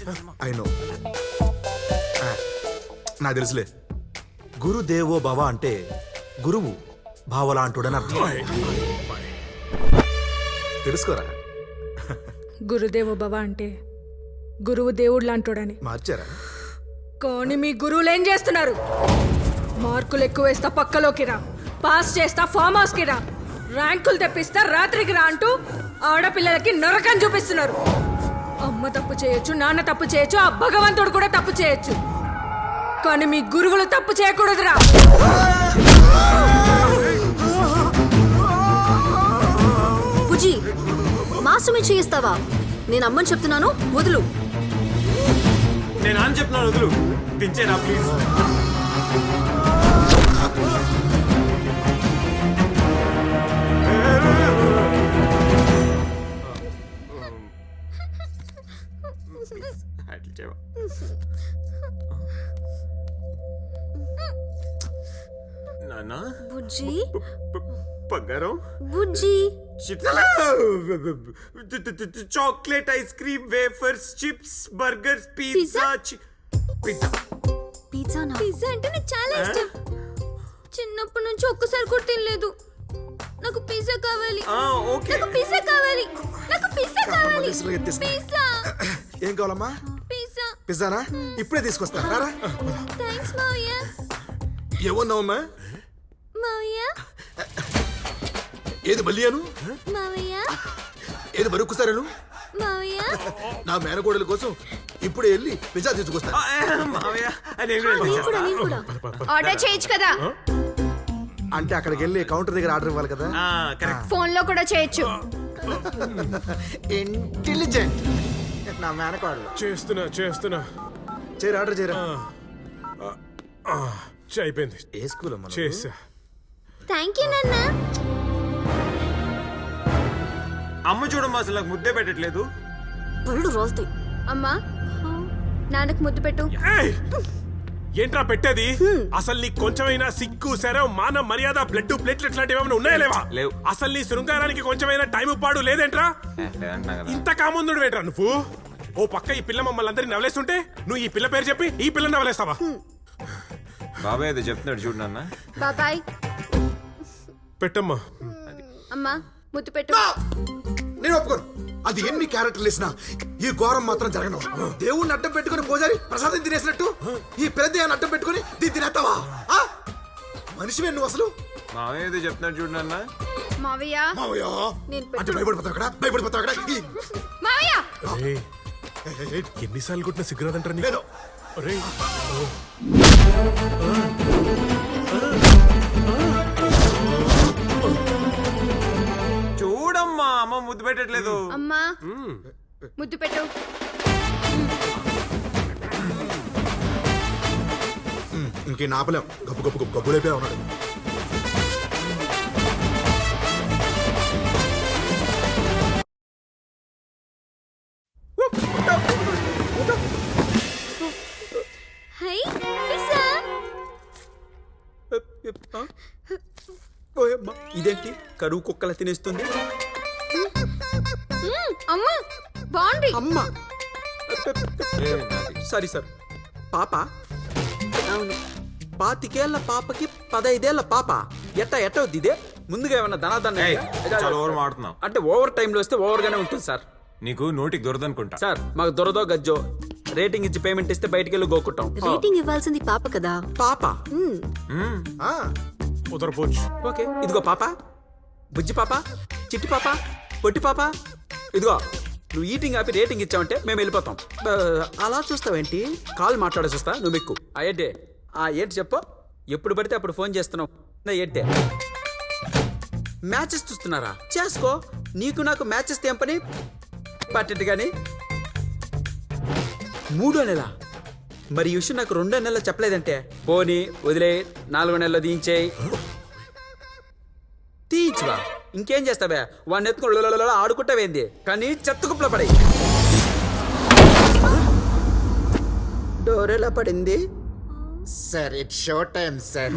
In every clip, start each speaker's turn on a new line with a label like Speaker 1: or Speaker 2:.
Speaker 1: I know, నాకు తెలుసులే. గురుదేవో భవ అంటే గురువు భావలాంటుడని అర్థం. తెలుసుకోరా?
Speaker 2: గురుదేవో భవ అంటే గురువు దేవుడు లాంటోడని.
Speaker 1: మార్చారా?
Speaker 2: కానీ మీ గురువులు ఏం చేస్తున్నారు? మార్కులు ఎక్కువ వేస్తా పక్కలోకి రా, పాస్ చేస్తా ఫామ్ హౌస్ కి రా, ర్యాంకులు తెప్పిస్తా రాత్రికి రా అంటూ ఆడపిల్లలకి నరకం చూపిస్తున్నారు. అమ్మ తప్పు చేయొచ్చు, నాన్న తప్పు చేయొచ్చు, ఆ భగవంతుడు కూడా తప్పు చేయొచ్చు, కానీ మీ గురువులు తప్పు చేయకూడదురా.
Speaker 3: బుజ్జి, మాస్టర్ చేయిస్తావా? నేను అమ్మని చెప్తున్నాను, వదులు.
Speaker 4: నేను అని చెప్తున్నాను, వదులు. దించేనా ప్లీజ్. నాన్న
Speaker 3: బుజ్జి,
Speaker 4: బంగారం,
Speaker 3: బుజ్జి,
Speaker 4: chocolate ice cream wafers chips burgers pizza pizza
Speaker 3: పిజ్జానా?
Speaker 5: పిజ్జా అంటే నాకు చాలా ఇష్టం. చిన్నప్పటి నుంచి ఒక్కసారి కూడా తినలేదు. నాకు పిజ్జా కావాలి.
Speaker 4: ఓకే,
Speaker 5: నాకు పిజ్జా కావాలి. నాకు పిజ్జా కావాలి. పిజ్జా.
Speaker 1: ఏం కావాలమ్మా?
Speaker 5: పిజ్జా.
Speaker 1: పిజ్జానా? ఇప్పుడే తీసుకొస్తా. రారా.
Speaker 5: థాంక్స్ మావయ్య.
Speaker 1: ఏమన్నావమ్మా?
Speaker 5: మావయ్య,
Speaker 1: ఏది బలియాను?
Speaker 5: మావయ్య,
Speaker 1: ఏది మరొకసారి
Speaker 5: మావయ్య.
Speaker 1: నా మేనకోడల కోసం ఇప్పుడే వెళ్ళి పిజ్జా తీసుకొస్తా.
Speaker 4: మావయ్య
Speaker 3: నేను కూడా.
Speaker 5: ఆర్డర్ చేయొచ్చు కదా?
Speaker 1: అంటే అక్కడికి వెళ్ళి కౌంటర్ దగ్గర ఆర్డర్ ఇవ్వాలి కదా.
Speaker 5: ఫోన్ లో కూడా చేయొచ్చు.
Speaker 1: ఇంటెలిజెంట్ నా మేనకోడలు.
Speaker 6: చేస్తున్నా
Speaker 1: చేయరు, ఆర్డర్ చేయరా.
Speaker 6: అయిపోయింది.
Speaker 1: ఏ స్కూల్ అమ్మా?
Speaker 6: చేసా.
Speaker 5: థ్యాంక్ యూ నాన్న.
Speaker 4: అమ్మ చూడమ్మా, అసలు నాకు ముద్దే పెట్టట్లేదు.
Speaker 3: పళ్ళు రోల్తాయి.
Speaker 5: అమ్మా, నాన్నకు ముద్దు పెట్టు.
Speaker 6: ఏయ్! ఏంట్రా పెట్టేది? అసలు నీకు కొంచెమైనా సిగ్గు శరం మాన మర్యాద బ్లడ్ ప్లేట్లెట్ లాంటివి ఏమైనా ఉన్నాయా లేవా?
Speaker 4: లేవు.
Speaker 6: అసలు నీ శృంగారానికి కొంచెమైనా టైం పాడు లేదేంట్రా? ఇంత కాముందుడు వేట్రా నువ్వు? ఓ పక్క ఈ పిల్ల మమ్మల్ని అందరినీ నవలేస్తుంటే నువ్వు ఈ పిల్ల పేరు చెప్పి ఈ పిల్లని నవలేస్తావా?
Speaker 4: బాబాయ్ అది చెప్తున్నాడు చూడు నాన్న.
Speaker 5: బాబాయ్.
Speaker 6: పెట్టమ్మా.
Speaker 5: అమ్మా, ముద్దు పెట్టు.
Speaker 1: నేను ఒప్పుకోను. అది ఎన్ని క్యారెక్టర్లు వేసినా ఈ ఘోరం మాత్రం జరగను. దేవుణ్ణి అడ్డం పెట్టుకుని పూజారి ప్రసాదం తినేసినట్టు ఈ పెద్దయాన్ని అడ్డం పెట్టుకుని దీన్ని తినేస్తావా? మనిషివే నువ్వు అసలు.
Speaker 4: మావయ్య ఏదో చెప్తున్నాడు చూడు నాన్న.
Speaker 5: మావయ్య,
Speaker 1: మావయ్య
Speaker 5: నేను
Speaker 1: అంటే భయపడిపోతావు అక్కడ, భయపడిపోతావు అక్కడ.
Speaker 5: మావయ్య.
Speaker 6: ఏయ్, ఎన్నిసార్లు కొట్టిన సిగ్గురాదంటారా నీకు?
Speaker 1: లేదు.
Speaker 6: ఒరేయ్,
Speaker 4: చూడమ్మా, అమ్మ ముద్దు పెట్టట్లేదు.
Speaker 5: అమ్మా, ముద్దు పెట్టు.
Speaker 1: ఇంకే నాపలేం. గబ్బు గబ్బు గబ్బు గబ్బులైపోయా ఉన్నాడు.
Speaker 5: Hi, pizza.
Speaker 7: ఇదేంటి కరువు కుక్కల తినేస్తుంది?
Speaker 5: అమ్మా, బాగుంది.
Speaker 7: అమ్మా సారీ సార్. పాప?
Speaker 3: అవును.
Speaker 7: 25 పాపకి 15 పాప. ఎట్ట వద్దు ఇదే? ముందుగా ఏమన్నా ధనాదన్న
Speaker 4: చాలా ఓవర్ మాడుతున్నావు.
Speaker 7: అంటే ఓవర్ టైంలో వస్తే ఓవర్ గానే ఉంటుంది సార్.
Speaker 4: నీకు నోటికి దొరదనుకుంటా.
Speaker 7: సార్ మాకు దొరదో గజ్జో రేటింగ్ ఇచ్చి పేమెంట్ ఇస్తే బయటికి వెళ్ళి గోకుంటాం.
Speaker 3: రేటింగ్ ఇవ్వాల్సింది పాప కదా.
Speaker 7: పాప
Speaker 6: కుదరపోవచ్చు.
Speaker 7: ఓకే, ఇదిగో పాప, బుజ్జి పాప, చిట్టి పాప, పొట్టి పాప. ఇదిగో నువ్వు ఈటింగ్ ఆపి రేటింగ్ ఇచ్చావంటే మేము వెళ్ళిపోతాం. అలా చూస్తావేంటి? కాల్ మాట్లాడేసి వస్తా, నువ్వు ఎక్కు. ఏంటి చెప్పు. ఎప్పుడు పడితే అప్పుడు ఫోన్ చేస్తున్నావు. ఏంటే మ్యాచెస్ చూస్తున్నారా? చేసుకో. నీకు నాకు మ్యాచెస్ ఏం పని? పట్టెట్టు కానీ 3వ నెల. మరి ఈ విషయం నాకు 2వ నెలలో చెప్పలేదంటే పోనీ వదిలే, 4వ నెలలో తీయించేయి. తీయించువా? ఇంకేం చేస్తావే? వాడిని ఎత్తుకుని ఆడుకుంటావేంది? కానీ చెత్తకుప్పలో పడి డోర్ ఎలా పడింది
Speaker 1: sir? It's show time sir.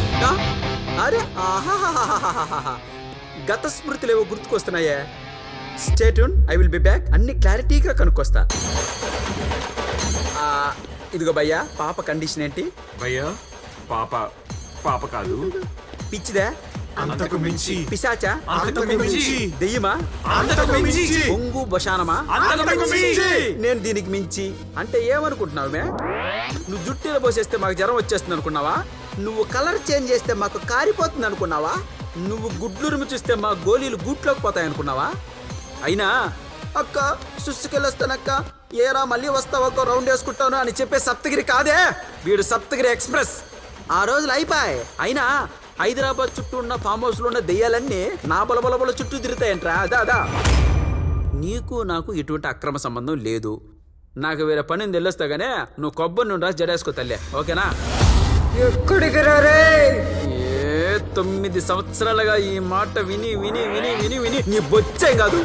Speaker 7: అరే ఆహాహాహాహా, గత స్మృతులు ఏవో గుర్తుకొస్తున్నాయే. Stay tune, I will be back. అన్ని క్లారిటీగా కనుక్కొస్తా. ఆ, ఇదిగో భయ్యా, పాప కండిషన్ ఏంటి?
Speaker 4: భయ్యా పాప పాప కాదు,
Speaker 7: పిచ్చిదా?
Speaker 6: అంతకు మించి
Speaker 7: పిశాచా?
Speaker 6: అంతకు మించి
Speaker 7: దెయ్యమా?
Speaker 6: అంతకు మించి
Speaker 7: పొంగు బశానమా?
Speaker 6: అంతకు మించి
Speaker 7: నేను దీనికి మించి అంటే ఏమనుకుంటున్నావు మే? నువ్వు జుట్టులో పోసేస్తే మాకు జ్వరం వచ్చేస్తుంది అనుకున్నావా? నువ్వు కలర్ చేంజ్ చేస్తే మాకు కారిపోతుంది అనుకున్నావా? నువ్వు గుడ్లురుము చూస్తే మా గోళీలు గూట్లోకి పోతాయి అనుకున్నావా? అయినా అక్క సుస్సుకెళ్ళొస్తానక్క, ఏరా మళ్ళీ వస్తావక్క, రౌండ్ వేసుకుంటాను అని చెప్పే సప్తగిరి కాదే వీడు, సప్తగిరి ఎక్స్ప్రెస్. ఆ రోజులు అయిపోయాయి. అయినా హైదరాబాద్ చుట్టూ ఉన్న ఫామ్ హౌస్ లో ఉన్న దెయ్యాలన్నీ నా బలబలబల చుట్టూ తిరుగుతాయంట్రా. అదా నీకు నాకు ఎటువంటి అక్రమ సంబంధం లేదు. నాకు వేరే పని వెళ్ళొస్తాగానే నువ్వు కొబ్బరి నుండి రాసి జడేసుకో తల్లే, ఓకేనా?
Speaker 2: ఎక్కడికి రారే?
Speaker 7: 9 సంవత్సరాలుగా ఈ మాట విని విని విని విని విని నీ బొచ్చేం కాదు.